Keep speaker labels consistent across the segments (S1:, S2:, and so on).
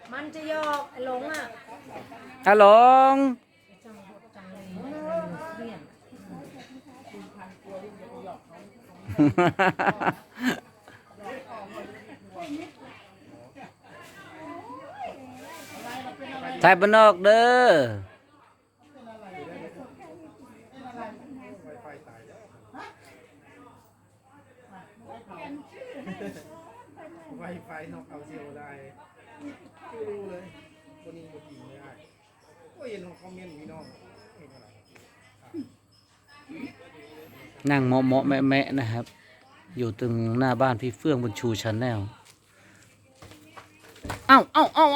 S1: มันจะยอกไอ้หลงอ่ะ
S2: ฮัลโหลงไทยบ้านนอกเด้อ
S3: ไวไฟนอกเอาเซลได้ไม่รู้เลยคนนี้ก็จริงไม่ได้ก็เห็นของคอมเมนต์พี่น้องเห็นอะไร
S2: นั่งเมาะเมาะแมะแมะนะครับอยู่ตรงหน้าบ้านพี่เฟื่องบนชูชาแนลเอ้า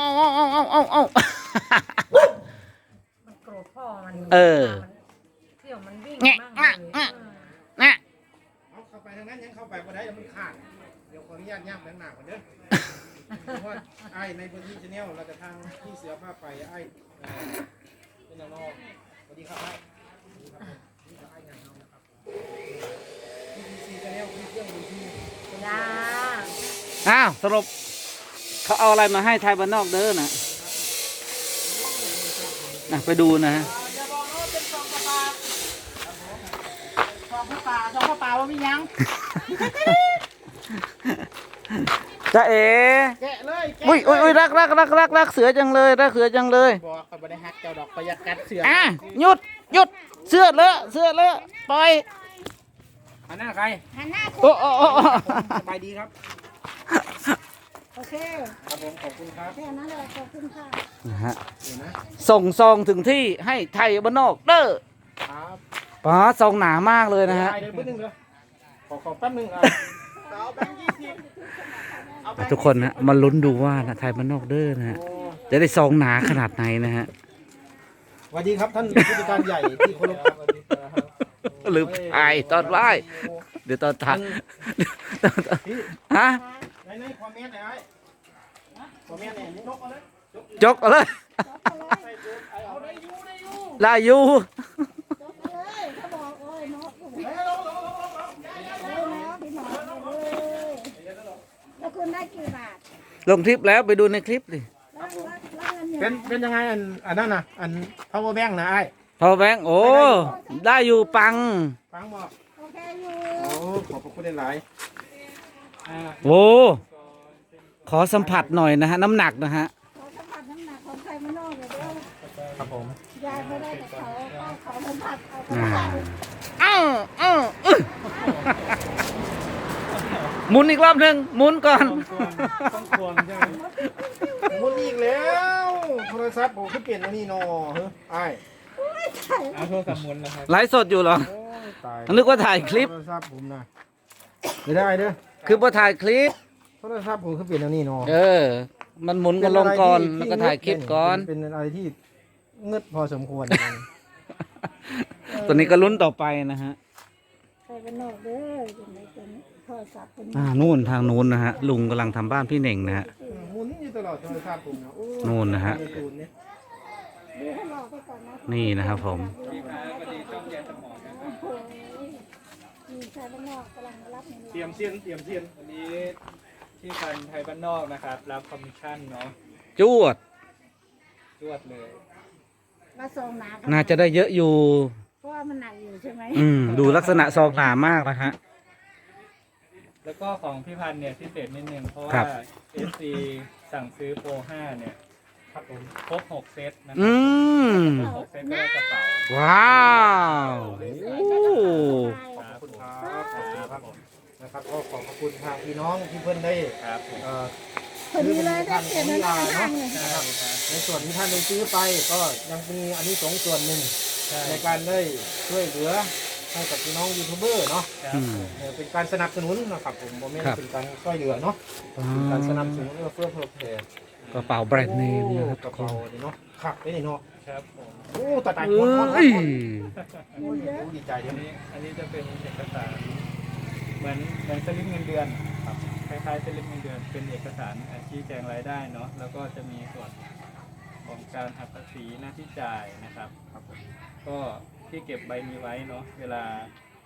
S1: มันโกรธพ่อมันเที่ยวมันวิ่งมากเลย
S3: เอาเข้าไปทางนั้นยังเข้าไปบ่ได้แล้วมันขาดเดี๋ยวขออนุญาตย่ำแรงหนักก่อนเด้อเพราะว่าไอ้ในพื้นที่ชาแนลเราจะทางที่เสือผ้าไปไอ้เป็นน้องสวัสดีครับไอ้นี่จะไอ้งานเรานะครับที่ซีชาแนลที่เครื่องดูที่
S1: จ้า
S2: อ้าวสรุปเขาเอาอะไรมาให้ไทยบ้านนอกเด้อนะไปดูนะฮะ
S3: อย่าบอกว่าเป็นซองปลาซองปลาว่ามียัง
S2: จ้าเอ๋
S3: แกะเลย
S2: อุ้ยรักเสือจังเลยรักเสือจังเลย
S3: บอกเขาไม่ได้ฮักเจ้าดอกประหยัดกัดเสือ
S2: หยุดเสื้อเลอะปล่อย
S3: หันหน้าใคร
S1: หันหน้าคุ
S2: โอ้
S3: สบายดีครับ
S1: โอเค
S3: ครับผมขอบคุณครับ
S1: แค่นั้นเลยขอบคุณค่ะ
S2: นะฮะส่งซองถึงที่ให้ไทยบ้านนอกเด้อ
S3: ครับ
S2: ป๋าซองหนามากเลยนะฮะ
S3: เดี๋ยวแป๊บนึงเดี๋ยวขอแป๊บนึงเอาแบงค์20
S2: ทุกคนนะมาลุ้นดูว่านะไทยบ้านนอกเด้อนะฮะจะได้ซองหนาขนาดไหนนะฮะ
S3: สวัสดีครับท่านผู้จัดการใหญ่ที่เคารพ
S2: ลืมถ่ายตอนไหว้เดี๋ยวตอนถ่ายฮะ
S3: ในคอมเมนต์ไหนคอมเมนต์ไหนยกเอาเลย
S2: จกเอาเลยลายู
S1: เขาบอกโอ้ยเนาะแล้วคุณได้กี่บาท
S2: ลงคลิปแล้วไปดูในคลิปดิ
S3: เป็นยังไงอันนั้นน่ะอัน power bank นะไอ้
S2: พอแบงค์โอ้ได้อยู่ปัง
S3: บอก
S1: โอเคอยู่
S3: โอ้ขอบคุณหลาย
S2: โอ้ขอสัมผัสหน่อยนะฮะน้ำหนักนะฮะ
S1: ขอสัมผัสน้ำหนักของใครไม่นอกเลยเด้อ
S3: ครับผม
S1: ยายไม่ได้แต่เขาขอสัมผัส
S2: หมุนอีกรอบหนึ่งหมุนก่อน
S3: ต้องควรใช่ไหมหมุนอีกแล้วโทรศัพท์ผมขึ้นเปลี่ยนแล้วนี่นอไอ้เอาโทรศัพท์หมุนนะครับ
S2: ไลฟ์สดอยู่เหรอนึกว่าถ่ายคลิป
S3: โทรศัพท์ผมนะไม่ได้เด้อ
S2: คือพอถ่ายคลิป
S3: โทรศัพท์ผมขึ้นเปลี่ยนแล้วนี่นอ
S2: มันหมุนกันลงก่อนแล้วก็ถ่ายคลิปก่อน
S3: เป็นอะไรที่เงืดพอสมควร
S2: ตัวนี้ก็ลุ้นต่อไปนะฮะ
S1: ใครเป็นนอกเด้ออยู่ในตัวนี้โทรศัพท์
S2: นู่นทางนู้นนะฮะลุงกำลังทำบ้านพี่เน่งนะฮะ
S3: หมุนอยู่ตลอดโทรศัพท์ผมนะ
S2: นู่นนะฮะนี่นะครับผม
S3: เตรียมเสียน
S4: วันนี้ที่พันไทยบ้านนอกนะครับรับคอมมิชชั่นเนาะ
S2: จวด
S4: เลย
S2: น่าจะได้เยอะอยู่
S1: เพราะว่ามันหนักอยู่ใช่ไหม
S2: ดูลักษณะซองหนามากนะฮะ
S4: แล้วก็ของพี่พันเนี่ยพิเศษนิดนึงเพราะว่า FC สั่งซื้อโปร5เนี่ยครับผมครบ6เซตนะครับ6เซตก็ได้กระเป๋า
S2: ว้าว
S3: ขอบคุณครับนะครับก็ขอบคุณทางพี่น้องที่เพื่อนได้
S1: พอดีเลยได้เปลี่ยนหน้าทางเลย
S3: ในส่วนที่ท่านได้ซื้อไปก็ยังมีอันนี้2ส่วนหนึ่งในการได้ช่วยเหลือให้กับพี่น้องยูทูบเบอร์เนาะเป็นการสนับสนุนนะครับผมไม่ได้เป็นการช่วยเหลือเนาะเป็นการสนับสนุนเพื่อเพลย์
S2: กระเป๋าแบรนด์เนมนะครับ
S3: กระเป๋าเนาะครับได้เนาะ
S4: ครับผม
S3: โอ้ตายดีใจเดี๋ยวนี้
S4: อันนี้จะเป็นเอกสารเหมือนสลิปเงินเดือนคล้ายๆสลิปเงินเดือนเป็นเอกสารชี้แจงรายได้เนาะแล้วก็จะมีส่วนของการหักภาษีหน้าที่จ่ายนะครับก็ที่เก็บใบนี้ไว้เนาะเวลา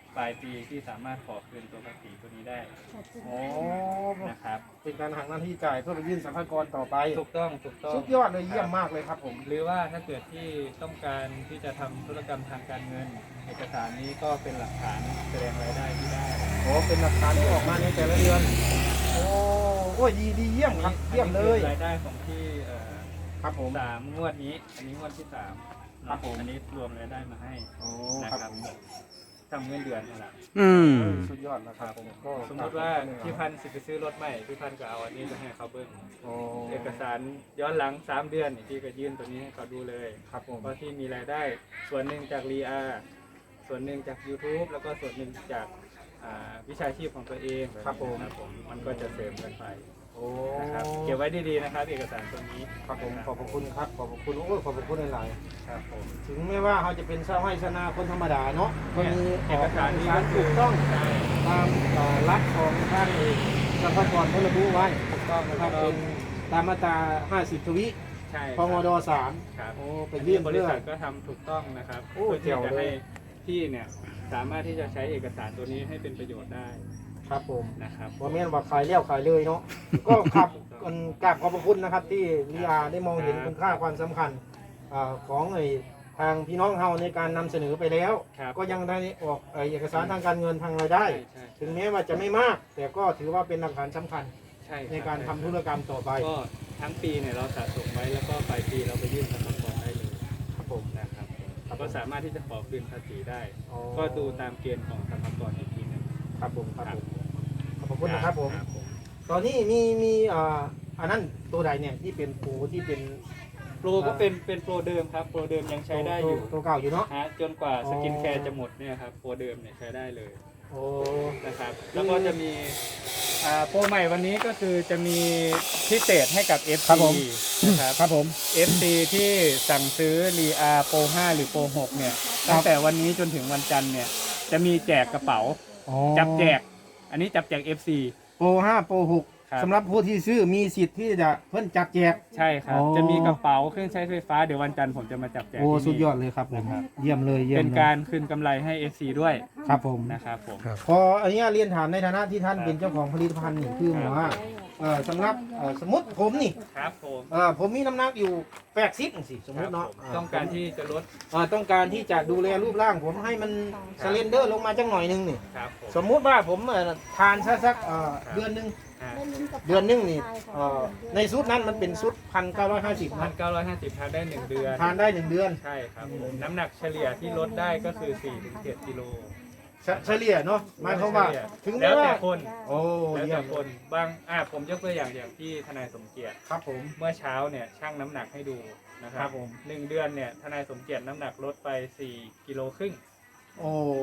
S4: ปลายปีที่สามารถขอคืนตัวภาษีตัวนี้ได้
S3: โอ้
S4: นะครับ
S3: เป็นการหักหน้าที่จ่ายเพื่อไปยื่นสรรพากรต่อไป
S4: ถูกต้อง
S3: สุดยอดเลยเยี่ยมมากเลยครับผม
S4: หรือว่าถ้าเกิดที่ต้องการที่จะทำธุรกรรมทางการเงิน เอกสารนี้ก็เป็นหลักฐานแสดงรายได้ที่ได้
S3: โอ้เป็นหลักฐานที่ออกมาในแต่ละเดือนโอ้ยดีเยี่ยมครับเยี่ยมเลย
S4: รายได้ของที่
S3: ครับผม
S4: 3 งวดนี้ อันนี้งวดที่ 3
S3: ครับผม
S4: อันนี้รวมรายได้มาให้
S3: โอ้
S4: นะครับ ทำเงินเดือนนี่แหละ
S2: อืม
S3: สุดยอดนะครับผมก็
S4: สมมติว่าพี่พันธุ์สิไปซื้อรถใหม่พี่พันธุ์ก็เอาอันนี้ไปให้เขาเบิ้ง
S3: โอ้
S4: เอกสารย้อนหลัง3 เดือนนี่พี่ก็ยื่นตัวนี้ให้เขาดูเลย
S3: ครับผม
S4: เพราะที่มีรายได้ส่วนหนึ่งจากรีอาส่วนหนึ่งจาก YouTube แล้วก็ส่วนหนึ่งจากวิชาชีพของตัวเอง
S3: ครับผม
S4: มันก็จะเสริมกันไป
S3: โอ้
S4: นะครับเก็บไว้ดีๆนะครับ เอกสารตัวนี้
S3: ครับผมขอบพระคุณครับขอบพระคุณโอ้ยขอบพระคุณหลาย
S4: ครับผม
S3: ๆถึงแม้ว่าเขาจะเป็นชาวไร่ชาวนาคนธรรมดาเนาะก็มี
S4: เอกสารนี้ก็
S3: ถูกต้อง
S4: ใช่
S3: ตามหลักของทางสรรพากรเขาระบุไว้
S4: ถูกต้อง
S3: นะ
S4: นะ
S3: ค
S4: ค
S3: รั
S4: รั
S3: บบ เป็นตามมาตรา 50 ทวิ
S4: ใช่
S3: พงด
S4: ครับ
S3: 3โอ้ไป
S4: อัน
S3: ยื่
S4: นี้
S3: น
S4: บริ
S3: เพื่อ
S4: ษัทก็ทำถูกต้องนะครับ
S3: โอ้
S4: เพื่อที่
S3: เจ๋ว
S4: จะ
S3: เลย
S4: ให้พี่เนี่ยสามารถที่จะใช้เอกสารตัวนี้ให้เป็นประโยชน์ได้
S3: ครับผม
S4: นะครับ
S3: ว่าแม่นว่าขายเลี้ยวขายเลยเนาะ ก็ครับกราบขอบพระคุณนะครับที่ลีอาได้มองเห็นคุณค่าความสำคัญของทางพี่น้องเฮาในการนำเสนอไปแล้ว
S4: ครับ
S3: ก็ยังได้ออกเอกสารทางการเงินทางรายได้
S4: ใช่
S3: ถึงแม้ว่าจะไม่มาก แต่ก็ถือว่าเป็นหลักฐานสำคัญ
S4: ใช่
S3: ในการทำธุรกรรมต่อไป
S4: ก็ทั้งปีเนี่ยเราสะสมไว้แล้วก็ปลายปีเราไปยื่นสรรพากรได้เลย
S3: ครับผม
S4: นะครับก็สามารถที่จะขอคืนภาษีได้
S3: อ๋อ
S4: ก็ดูตามเกณฑ์ของสรรพากรอีกทีหนึง
S3: ครับผมครับผมขอบพระคุณนะครับผม
S4: ครับผม
S3: ตอนนี้มีอันนั้นตัวใดเนี่ยที่เป็นปูที่เป็น
S4: โปรก็เป็นโปรเดิมครับโปรเดิมยังใช้ได้อยู่
S3: ตัวเก่าอยู่เนาะ
S4: ฮะจนกว่า
S3: อ๋อ
S4: สกินแคร์จะหมดเนี่ยครับโปรเดิมเนี่ยใช้ได้เลย
S3: โอ้
S4: นะครับแล้วก็จะมีโปรใหม่วันนี้ก็คือจะมีพิเศษให้กับ FC นะครับ
S3: ครับผม
S4: FC ที่สั่งซื้อรีอาโปร5หรือโปร6เนี่ยตั้งแต่วันนี้จนถึงวันจันทร์เนี่ยจะมีแจกกระเป๋า จับแจก อันนี้จับแจก FC
S3: โปร5โปร
S4: ครับ
S3: 6สำหรับผู้ที่ซื้อมีสิทธิ์ที่จะเพิ่นจับแจก
S4: ใช่ครับ
S3: อ๋อ
S4: จะมีกระเป๋าเครื่องใช้ไฟฟ้าเดี๋ยววันจันทร์ผมจะมาจับแจก
S3: โอ้
S4: ที่นี่
S3: สุดยอดเลยครับผม
S4: นะครับ
S3: เยี่ยมเลยเยี่ยม
S4: เป็น
S3: เลย
S4: การคืนกำไรให้ FC ด้วย
S3: ครับผม
S4: นะครับผม
S3: พออันนี้เรียนถามในฐานะที่ท่านเป็นเจ้าของผลิตภัณฑ์นี่คือหมายว่าสำหรับสมมติผมนี่
S4: ครับผม
S3: ผมมีน้ำหนักอยู่80สิสมมติเนาะ
S4: ครับผมต้องการที่จะลด
S3: ต้องการที่จะดูแลรูปร่างผมให้มันสเลนเดอร์ลงมาจังหน่อยนึงนี่
S4: ครับผม
S3: สมมุติว่าผมทานสักเดือนหนึง
S4: อ่า
S3: เดือนหนึงนี่ในชุดนั้นมันเป็นชุด1,950นะ
S4: 1,950ทานได้ 1 เดือน
S3: ทานได้1เดือน
S4: ใช่ครับผมน้ำหนักเฉลี่ยที่ลดได้ก็คือ 4-7 กิโล
S3: เฉลี่ยเนาะหมายความว่าถึง
S4: แล้
S3: แม้
S4: ว
S3: ว่า
S4: แต่คน
S3: โอ้
S4: แล้ว
S3: เยี่ย
S4: แต่
S3: ม
S4: คนบางผมยกตัวอย่างที่ทนายสมเกียรติ
S3: ครับผม
S4: เมื่อเช้าเนี่ยชั่งน้ำหนักให้ดูนะค
S3: ค
S4: รั
S3: รั
S4: บบ
S3: ผม
S4: 1 เดือนเนี่ยทนายสมเกียรติน้ำหนักลดไป4 กิโลครึ่ง
S3: โอ้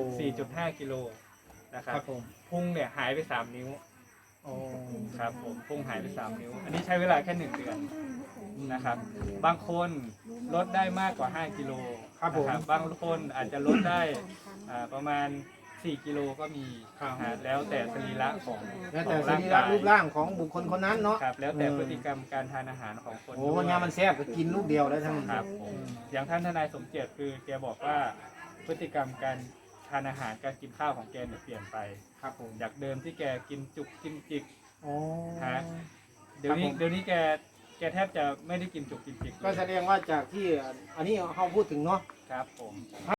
S4: 4.5 กิโลนะค
S3: ค
S4: รั
S3: รั
S4: บบ
S3: ผม
S4: พุงเนี่ยหายไป 3 นิ้ว
S3: โอ้
S4: ครับผมพุงหายไป 3 นิ้ว อันนี้ใช้เวลาแค่ 1 เดือนนะครับบางคนลดได้มากกว่า 5 กิโล
S3: ครับผม
S4: นะบางคนอาจจะลดได้ประมาณ 4 กิโลก็มีแล้วแต่สรีระของ
S3: แล้วแต่
S4: ของ
S3: สรีระรูปร่างของบุคคลคนนั้นเนาะ
S4: ครับแล้วแต่พฤติกรรมการทานอาหารของคน
S3: โอ้
S4: ด้วย
S3: วันนี้มันแซ่บก็กินลูกเดียวได้ทั้ง
S4: ครับผมอย่างท่านทนายสมเกียรติคือแกบอกว่าพฤติกรรมการทานอาหารการกินข้าวของแกเนี่ยเปลี่ยนไป
S3: ครับผม
S4: จากเดิมที่แกกินจุกกินจิก
S3: โอ้
S4: ฮะเดี๋ยวนี้แกแทบจะไม่ได้กินจุกกินจิกเลย
S3: ก็แสดงว่าจากที่อันนี้เขาพูดถึงเนาะ
S4: ครับผม